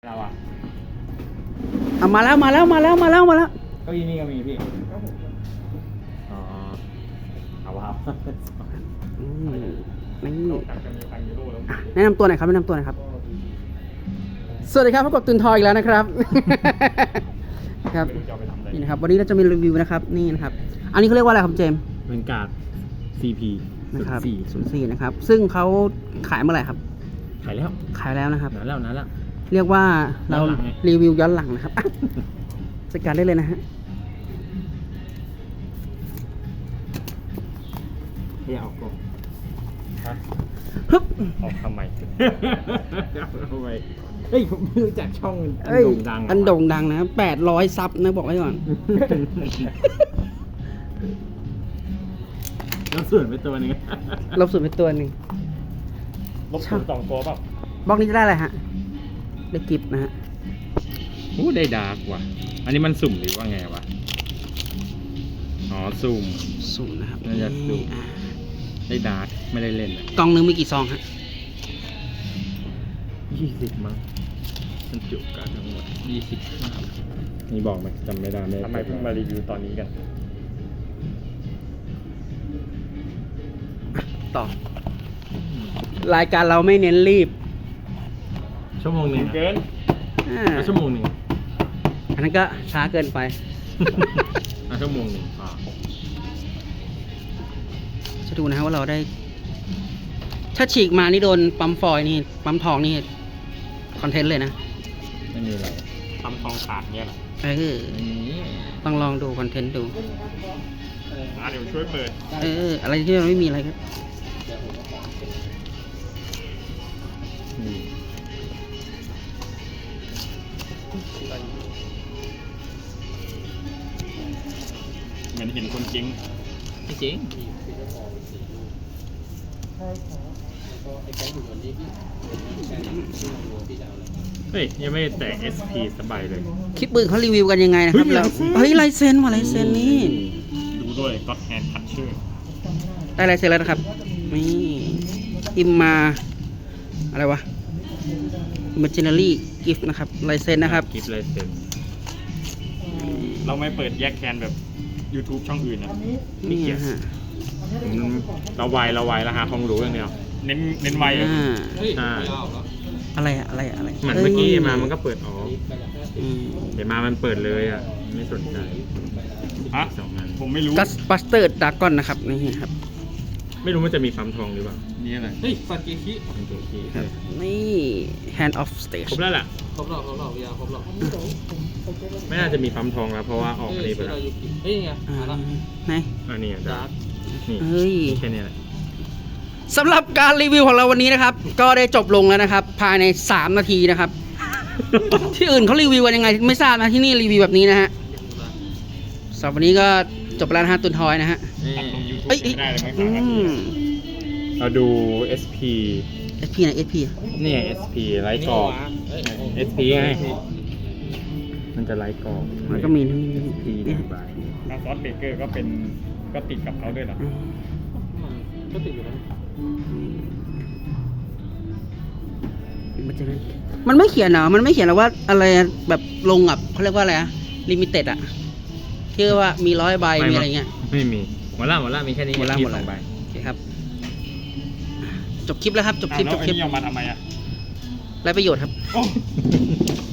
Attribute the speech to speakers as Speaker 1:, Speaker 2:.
Speaker 1: เราอะ
Speaker 2: มาแล้ว
Speaker 1: เก้าอี้นี่ก็มีพี่อ๋อเอาครับ
Speaker 2: นี่
Speaker 1: จากจะมีฟังยูโรแล้ว
Speaker 2: แนะนำตัวหน่อยครับสวัสดีครับพบกับตุนทอยอีกแล้วนะครับ ครับ
Speaker 1: จะเอาไปทำอะไร
Speaker 2: นี่นะครับวันนี้เราจะมีรีวิวนะครับนี่นะครับอันนี้เขาเรียกว่าอะไรครับเจมส์
Speaker 1: เป็นการ์ด CP
Speaker 2: นะครับ
Speaker 1: 04
Speaker 2: 04นะครับซึ่งเขาขายเมื่อไหร่ครับ
Speaker 1: ขายแล้ว
Speaker 2: ขายแล้วนะครับ
Speaker 1: นานแล้ว
Speaker 2: เรียกว่าเรา
Speaker 1: ย้อนหลังไง
Speaker 2: รีวิวย้อนหลังนะครับ จัดการได้เลยนะฮะ
Speaker 1: เดี๋ยวเอากล่องฮะ
Speaker 2: ฮึบ
Speaker 1: ออกทำไมเอาทำไมเฮ้ยผมไม่รู้จักช่องอัน
Speaker 2: เอ้ย
Speaker 1: โด่งดัง
Speaker 2: อันโด่งดังนะ800ซับนะบอกไว้ก่อน
Speaker 1: แล้วส่วนไปตัวหนึง
Speaker 2: ลบสุดไปตัวหนึ่ง
Speaker 1: ลบศูนย์สองตัวเปล่า
Speaker 2: บล็อกนี้จะได้อะไรฮะได้กิฟต์นะฮะ
Speaker 1: อู้ได้ดาร์กว่ะอันนี้มันสุ่มหรือว่าไงวะอ๋อสุ่ม
Speaker 2: ศูนย์นะครับ
Speaker 1: น่าจะสุ่ม
Speaker 2: อ่า
Speaker 1: ได้ดาร์กไม่ได้เล่นเลย
Speaker 2: กล่องหนึงมีกี่ซองฮะ
Speaker 1: 20 มั้งมันจุการทั้งหมด20นี่บอกไหมจำไม่ได้ทำไมเพิ่งมารีวิวตอนนี้กัน
Speaker 2: ต่อ รายการเราไม่เน้นรีบ
Speaker 1: ชั่วโมงหนึ่งเกิน
Speaker 2: อ่า
Speaker 1: ชั่วโมงหนึ่ง
Speaker 2: อันนั้นก็ช้าเกินไป
Speaker 1: ชั่วโมงหนึ่ง
Speaker 2: จะดูนะฮะว่าเราได้ ถ้าฉีกมานี่โดนปั๊มฟอยล์นี่ปั๊มทองนี่คอนเทนต์เลยนะ
Speaker 1: ไม่มีอะไรทำทองขาดเงี้ยหรอ
Speaker 2: นี่ต้องลองดูคอนเทนต์ดู
Speaker 1: เดี๋ยวช่วยเปิด
Speaker 2: อะไรที่มันไม่มีอะไรครับ
Speaker 1: เหมือนเห็นคนจริงไม่จริงเฮ้ยยังไม่แตก SP สบายเลย
Speaker 2: คลิปปืนเขารีวิวกันยังไงนะครับแล้วเฮ้ยลายเซ็นว่ะลายเซ็นนี่
Speaker 1: ดูด้วยก็แฮนด์ทัชเชอร์
Speaker 2: ได้ลายเซ็นแล้วนะครับนี่อิมมาอะไรวะ Imaginary Gift นะครับลายเซ็นนะครับ
Speaker 1: กิฟต์ลายเซ็นเราไม่เปิดแยกแคนแบบ YouTube ช่องอื่นนะ
Speaker 2: นี่ฮะ
Speaker 1: เราไวแล้วหาความรู้อย่างเดียวเน้นไวอ่ะ
Speaker 2: อะไร
Speaker 1: เหมือนเมื่อกี้มามันก็เปิดออก
Speaker 2: อืม
Speaker 1: เดี๋ยวมามันเปิดเลยอ่ะไม่สนใจฮะ2 อันผมไม่รู้
Speaker 2: กัสบัสเตอร์ดากอนนะครับนี่ครับ
Speaker 1: ไม่รู้มันจะมีปั๊มทองหรือเปล่านี่อะไรเฮ้ยฟันเกคิเป็นตัวคี
Speaker 2: ครับนี่ Hand of Stage
Speaker 1: ครบแล้วล่ะ
Speaker 3: ครบหรอกยาครบหรอก
Speaker 1: ไม่น่าจะมีปั๊มทองแล้วเพราะว่าออกอันนี้ไปแล้ว
Speaker 3: เฮ้ยไง
Speaker 2: อ่า
Speaker 3: มาละ
Speaker 2: ไหน
Speaker 1: อันนี้ดาร์กนี่
Speaker 2: เฮ้ย
Speaker 1: แค่นี้แหละ
Speaker 2: สำหรับการรีวิวของเราวันนี้นะครับ ก็ได้จบลงแล้วนะครับ ภายใน3 นาทีนะครับ ที่อื่นเขารีวิวกันยังไงไม่ทราบนะที่นี่รีวิวแบบนี้นะฮะสำหรับวันนี้ก็จบไปแล้วนะฮะตุนทอยนะฮะ
Speaker 1: ตัดลง YouTube
Speaker 2: เอ้ย
Speaker 1: ไม่ได้เลยไหม
Speaker 2: อื
Speaker 1: 3 นาที
Speaker 2: ม
Speaker 1: เราดู SP
Speaker 2: SP ไหน SP
Speaker 1: นี่ไง SP ไลท์กรอบ SP ไงมันจะไลท์กรอบ
Speaker 2: มันก็มีนี่
Speaker 1: SP 1 บาทมาซอสเบเกอร์ก็ติดกับเขาด้วยเหรอ
Speaker 3: ก็ติดอยู่แล้ว
Speaker 2: มันไม่เขียนเหรอมันไม่เขียนหรอว่าอะไรแบบลงกับเขาเรียกว่าอะไรอะลิมิเต็ดอะที่ว่ามี100 ใบมีอะไรเงี้ย
Speaker 1: ไม่มีหมดละมีแค่นี้
Speaker 2: หมดละ
Speaker 1: สองใบ
Speaker 2: โอเคครับ จบคลิปแล้วครับ จบคลิป
Speaker 1: แล้วไอ้นี่เอามาทำไมอ่ะ
Speaker 2: ไรประโยชน์ครับ